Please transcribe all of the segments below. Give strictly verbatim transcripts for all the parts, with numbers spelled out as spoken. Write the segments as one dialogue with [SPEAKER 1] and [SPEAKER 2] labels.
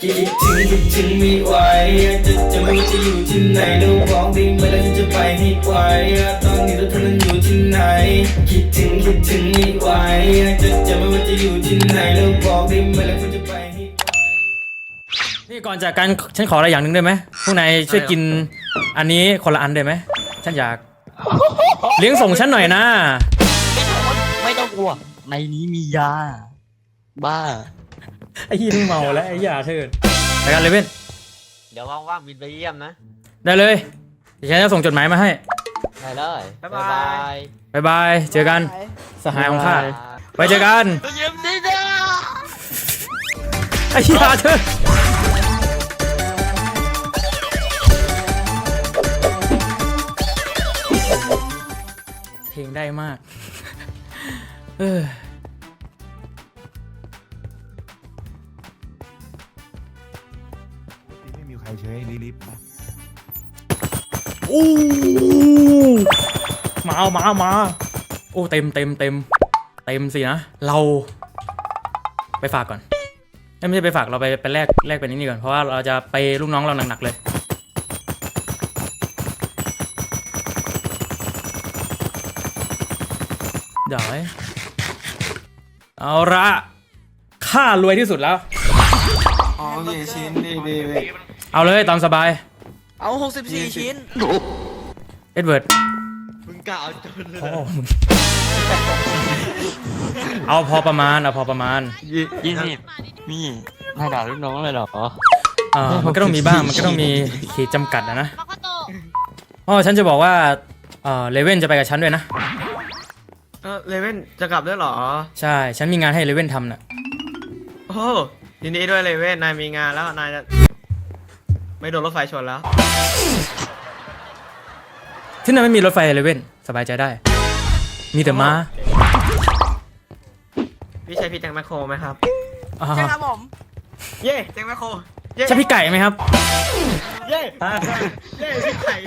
[SPEAKER 1] คิดถึงคิดถึงไม่ไหวจะจะไม่ว่าจะอยู่ที่ไหนแล้วบอกได้ไหมแล้วฉันจะไปให้ไวตอนนี้เราเธอนั้นอยู่ที่ไหนคิดถึงคิดถึงไม่ไหวจะจะไม่ว่าจะอยู่ที่ไหนแล้วบอกได้ไหมแล้วฉันจะไปให้ไวนี่ก่อนจากกันฉันขออะไรอย่างหนึ่งได้ไหมพวกนายช่วยกินอันนี้คนละอันได้ไหมฉันอยากเลี้ยงส่งฉันหน่อยนะ
[SPEAKER 2] ไม่ต้องกลัวในนี้มียาบ้า
[SPEAKER 1] ไอ้ยี่มึงเมาแล้วไอ้ยาเถิดไปกันเลยเว้น
[SPEAKER 3] เดี๋ยวว่างๆบินไปเยี่ยมนะ
[SPEAKER 1] ได้เลยเดี๋ยวฉันจะส่งจดหมายมาให้
[SPEAKER 3] ได้เลยบ๊ายบาย
[SPEAKER 1] บ๊ายบายเจอกันสหายของข้าไปเจอกัน
[SPEAKER 3] เยี่ยมดีนะ
[SPEAKER 1] ไอ้ยาเถิดเพลงได้มากเออ
[SPEAKER 4] ไม่มีใครเชิญให้ลิฟต์นะ
[SPEAKER 1] โอ้มาเอามาเอามาโอ้เต็มเต็มเต็มเต็มสินะเราไปฝากก่อนไม่ใช่ไปฝากเราไปไปแลกแลกเป็นนี่ก่อนเพราะว่าเราจะไปลูกน้องเราหนักๆเลยเดี๋ยวเอาละข้ารวยที่สุดแล้ว
[SPEAKER 4] อ๋อนี่ชิ้นนี่นี่
[SPEAKER 1] เอาเลยตามสบาย
[SPEAKER 2] เอาหกสิบสี่ชิ้น
[SPEAKER 1] เอ็ดเวิร์ด
[SPEAKER 3] มึงกะเอาจนเลย
[SPEAKER 1] เอาพอประมาณเอาพอประมาณ
[SPEAKER 2] ยี่สิบนี่นายด่าลูกน้องเลยเหรอ
[SPEAKER 1] อ่ามันก็ต้องมีบ้างมันก็ต้องมีขีดจำกัดนะนะอ๋อฉันจะบอกว่าเออเลเว่นจะไปกับฉันด้วยนะ
[SPEAKER 3] เออเลเว่นจะกลับด้วยเหรอ
[SPEAKER 1] ใช่ฉันมีงานให้เลเว่นทำน่ะ
[SPEAKER 3] โอ้ยินดีด้วยเลเว่นนายมีงานแล้วนายจะไม่โดนรถไฟชนแล้ว
[SPEAKER 1] ที่นั่นไม่มีรถไฟเลเว่นสบายใจได้มีแต่ม้า
[SPEAKER 3] พี่ใช่พี่แจ็คแมคโครไหมครับ
[SPEAKER 2] ใช่ครับผม
[SPEAKER 3] เย่แจ็คแมคโคร
[SPEAKER 1] ใช่พี่ไก่ไหมครับ
[SPEAKER 3] เย่เย่พี่ไก่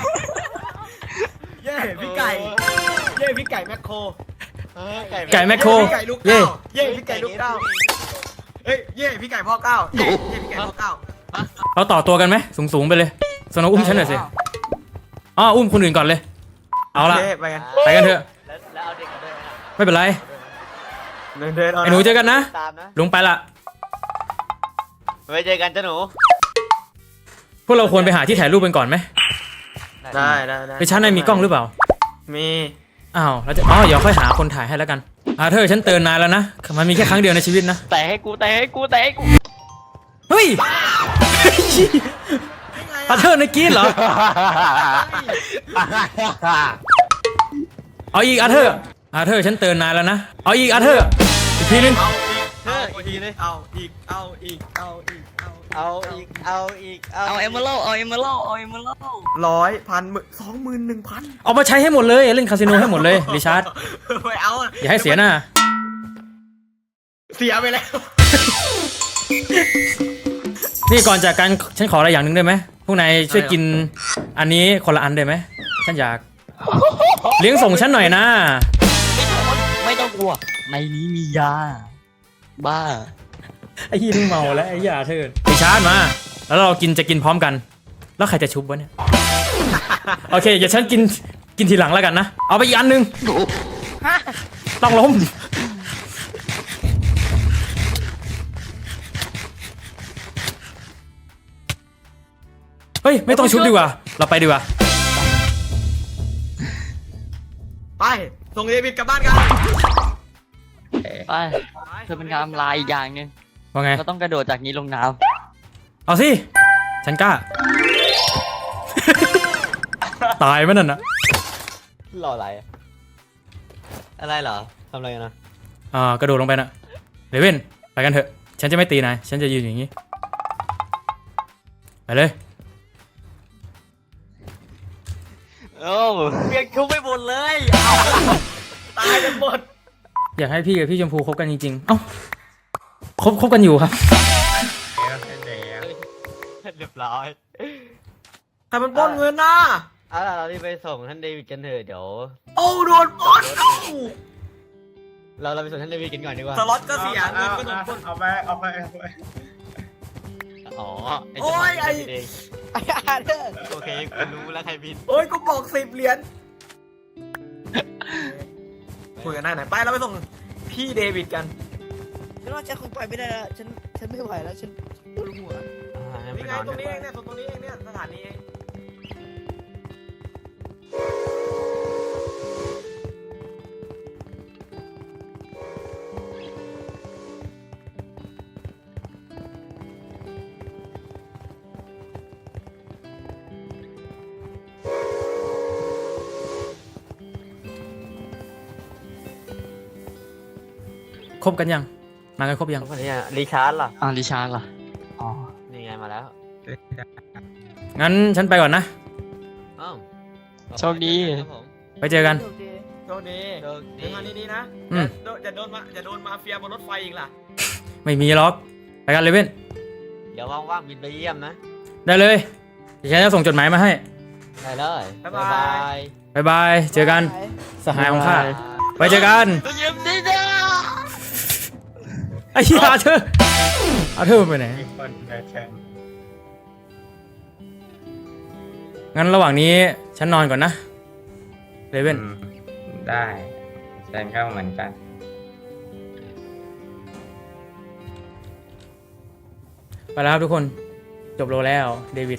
[SPEAKER 3] เย่พี่ไก่เย่พี่ไก่แมคโคร
[SPEAKER 1] ไก่แมคโคร
[SPEAKER 3] เย่เย่พี่ไก่ลูกเก้าเฮ้ยเย่พี่ไก่พ่อเก้าเย่พี่ไก่พ่อเก้า
[SPEAKER 1] เราต่อตัวกันไหมสูงๆไปเลยสโนว์อุ้มฉันหน่อยสิอ๋ออุ้มคนอื่นก่อนเลยเอาละ
[SPEAKER 3] ไปกัน
[SPEAKER 1] ไปกันเถอะ
[SPEAKER 3] แล้วเอาเด็กกันด้วย
[SPEAKER 1] ไม่เป็นไรไอ้หนูเจอกันนะลุงไปละ
[SPEAKER 3] ไว้เจอกันจ้าหนู
[SPEAKER 1] พวกเราควรไปหาที่ถ่ายรูปกันก่อนไหม
[SPEAKER 3] ได้ได้ได้
[SPEAKER 1] ไปชั้นในมีกล้องหรือเปล่า
[SPEAKER 3] มี
[SPEAKER 1] อ้าวแล้วจะอ๋อเดี๋ยวค่อยหาคนถ่ายให้แล้วกันอ่าเธอฉันเตือนนายแล้วนะมันมีแค่ครั้งเดียวในชีวิตนะ
[SPEAKER 2] แต่ให้กูแต่ให้กูแต่ให้กู
[SPEAKER 1] เฮ้ยอาเธอในกีนเหรอเอาอีกอาเธออาเธอฉันเตือนนายแล้วนะเอาอีกอาเธออีกทีนึง
[SPEAKER 3] เอาอีกทีนึงเอาอีกเอาอีกเอาอีกเอาอีกเอาอีก
[SPEAKER 2] เอาเอเมอรัลเอาเอเมอรัลเอาเอเมอรัล
[SPEAKER 3] ร้อยพันหมื่นสองหมื่นหนึ่งพัน
[SPEAKER 1] เอามาใช้ให้หมดเลยเล่นคาสิโนให้หมดเลยริชาร์ด
[SPEAKER 3] ไม่เอา
[SPEAKER 1] อย่าให้เสียหน้า
[SPEAKER 3] เสียไปแล้ว
[SPEAKER 1] นี่ก่อนจากกันฉันขออะไรอย่างหนึ่งได้ไหมพวกนายช่วยกินอันนี้คนละอันได้ไหมฉันอยากเลี้ยงส่งฉันหน่อยนะ
[SPEAKER 2] ไม่ต้องกลัวในนี้มียาบ้า
[SPEAKER 1] ไอ้ยี่มึงเมาแล้วไอ้ยาเถิดริชาร์ดมาแล้วเรากินจะกินพร้อมกันแล้วใครจะชุบวะเนี่ยโอเคอย่าฉันกินกินทีหลังแล้วกันนะเอาไปอีกอันหนึ่งต้องล้มเฮ้ยไม่ต้องชุบดีกว่าเราไปดีกว่า
[SPEAKER 3] ไปส่งเดวิดกลับบ้านกัน
[SPEAKER 2] ไปเธอเป็นการลายอย่างนึง
[SPEAKER 1] ว่าไง
[SPEAKER 2] ก็ต้องกระโดดจากนี้ลงน้
[SPEAKER 1] ำเอาสิฉันกล้าตายไหมนั่นนะ
[SPEAKER 3] รออะไรอะไรเหรอทำอะไรนะ
[SPEAKER 1] อ่ากระโดดลงไปนะเลเว่นไปกันเถอะฉันจะไม่ตีนายฉันจะยืนอย่างนี้ไปเลย
[SPEAKER 3] โอ้เปลี่ยนคุกไปหมดเลยตายกันหมด
[SPEAKER 1] อยากให้พี่กับพี่ชมพูคบกันจริงๆเอ้าคบคบกันอยู่ครับ
[SPEAKER 3] เรียบร้อยใครมันปล้นเงินนะเอาล่ะเราที่ไปส่งท่านเดวิดกันเถอะเดี๋ยวโอ้โดนปล้นเราเราไปส่งท่านเดวิดกันก่อนดีกว่าสล็อตก็เสียเงินก็โดนปล้น
[SPEAKER 4] เอาไปเอาไปเอาไป
[SPEAKER 3] อ๋อไอ้
[SPEAKER 5] โอ้ยไอ้
[SPEAKER 3] เอง
[SPEAKER 5] ไอ้อาเธอร์
[SPEAKER 3] โอเคกูรู้แล้วใครบิน
[SPEAKER 5] โอ้ยกูบอกสิบเหรียญคุยกันได้ไหนไปเราไปส่งพี่เดวิดกัน
[SPEAKER 6] ฉันว่าฉันคงไปไม่ได้แล้วฉันฉันไม่ไหวแล้วฉันปวดหัว
[SPEAKER 3] อ่างั้น
[SPEAKER 5] นี่
[SPEAKER 3] ไป
[SPEAKER 5] ไง
[SPEAKER 3] นอน
[SPEAKER 5] ตรงนี้เองเนี่ยตรงนี้เองเนี่ยสถานีเอง
[SPEAKER 7] ครบกันยัง มากันครบยัง
[SPEAKER 3] คนนี้อ่ะรีชาร์ดล่ะ
[SPEAKER 2] อ่าริชาร์ดล่ะอ๋อ
[SPEAKER 3] นี่ไงมาแล้ว
[SPEAKER 7] งั้นฉันไปก่อนนะ
[SPEAKER 3] อ้าว
[SPEAKER 2] โชคดี
[SPEAKER 3] ครับผม
[SPEAKER 7] ไปเจอกัน
[SPEAKER 6] โอเค
[SPEAKER 5] โชคดี
[SPEAKER 3] โชคดี
[SPEAKER 5] เดินทางดีๆนะ
[SPEAKER 7] อืม
[SPEAKER 5] จะจะโดนมาจะโดนมาเฟียบนรถไฟอีกล่ะ
[SPEAKER 7] ไม่มีล็อก ไปกันเลยเว้น
[SPEAKER 3] เดี๋ยวว่างๆบินไปเยี่ยมนะ
[SPEAKER 7] ได้เลยเดี๋ยวฉันจะส่งจดหมายมาให้
[SPEAKER 3] ได้เลย
[SPEAKER 5] บ๊ายบาย
[SPEAKER 3] ย
[SPEAKER 7] บายบาย เจอกัน สหายของข้า
[SPEAKER 3] บ๊ายบาย
[SPEAKER 7] ไปเจอกัน
[SPEAKER 2] เยี่ยมดีนะ
[SPEAKER 7] ไอ้เหี้ยอาเธอร์อาเธอร์มันไปไหน
[SPEAKER 4] คนแพ้แข่ง
[SPEAKER 7] งั้นระหว่างนี้ฉันนอนก่อนนะ เลเว่น
[SPEAKER 8] ได้ฉันก็เหมือนกัน
[SPEAKER 7] ไปแล้วครับทุกคน จบโลแล้ว เดวิด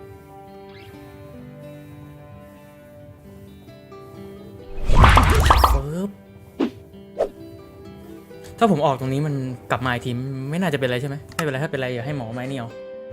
[SPEAKER 7] ปึ๊บ ถ้าผมออกตรงนี้มันกลับมาอีกทีไม่น่าจะเป็นไรใช่ไหมไม่เป็นไรถ้าเป็นไรอย่าให้หมอไม้เนี่ยว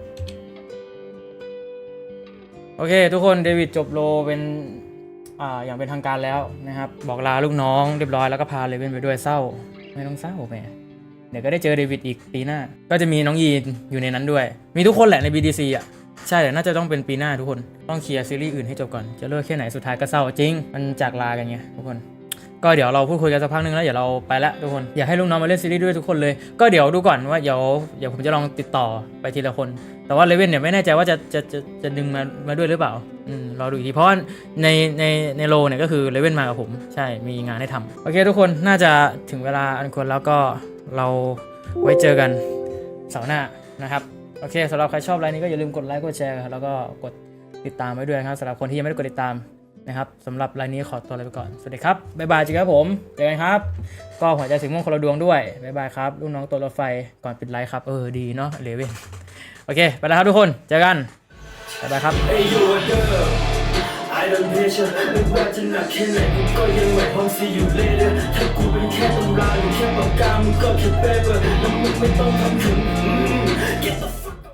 [SPEAKER 7] โอเค ทุกคนเดวิดจบโลเป็นอ่าอย่างเป็นทางการแล้วนะครับบอกลาลูกน้องเรียบร้อยแล้วก็พาเลเว่นไปด้วยเศร้าไม่ต้องเศร้าแหมเดี๋ยวก็ได้เจอเดวิดอีกปีหน้าก็จะมีน้องยีนอยู่ในนั้นด้วยมีทุกคนแหละใน บี ดี ซี อ่ะใช่แต่น่าจะต้องเป็นปีหน้าทุกคนต้องเคลียร์ซีรีส์อื่นให้จบก่อนจะเลิกแค่ไหนสุดท้ายก็เศร้าจริงมันจากลากันไงทุกคนก็เดี๋ยวเราพูดคุยกันสักพักนึงแล้วเดี๋ยวเราไปละทุกคนอยากให้ลูกน้องมาเล่นซีรีส์ด้วยทุกคนเลยก็เดี๋ยวดูก่อนว่าเดี๋ยวเดี๋ยวผมจะลองติดต่อไปทีละคนแต่ว่าเลเว่นเนี่ยไม่แน่ใจว่าจะจะจะจะดึงมามาด้วยหรือเปล่าอืมรอดูอีกทีเพราะว่าในในในโลเนี่ยก็คือเลเว่นมากับผมใช่มีงานให้ทำโอเคทุกคนน่าจะถึงเวลาอันควรแล้วก็เราไว้เจอกันเสาร์หน้านะครับโอเคสำหรับใครชอบไลน์นี้ก็อย่าลืมกดไลค์กดแชร์แล้วก็กดติดตามไว้ด้วยนะครับสำหรับคนที่ยังไม่ได้กดติดตามนะครับสำหรับไลน์นี้ขอตัวลาไปก่อนสวัสดีครับบ๊ายบายจริงครับผมเจอกันครับก็หัวใจสีม่วงคนละดวงด้วยบ๊ายบายครับลูกน้องตัวรถไฟก่อนปิดไลฟ์ครับเออดีเนาะเลเว่นโอเคไปแล้วครับทุกคนเจอกันบ๊ายบายครับ
[SPEAKER 1] Hey you a girl I don't pressure ไม่ว่าจะหนักแค่ไหนกูก็ยังไหวพร้อม see you later ถ้ากูเป็นแค่ตำราหรือแค่ปากกามึงก็แค่ paper แล้วมึงไม่ต้องทำถึง Get the fuck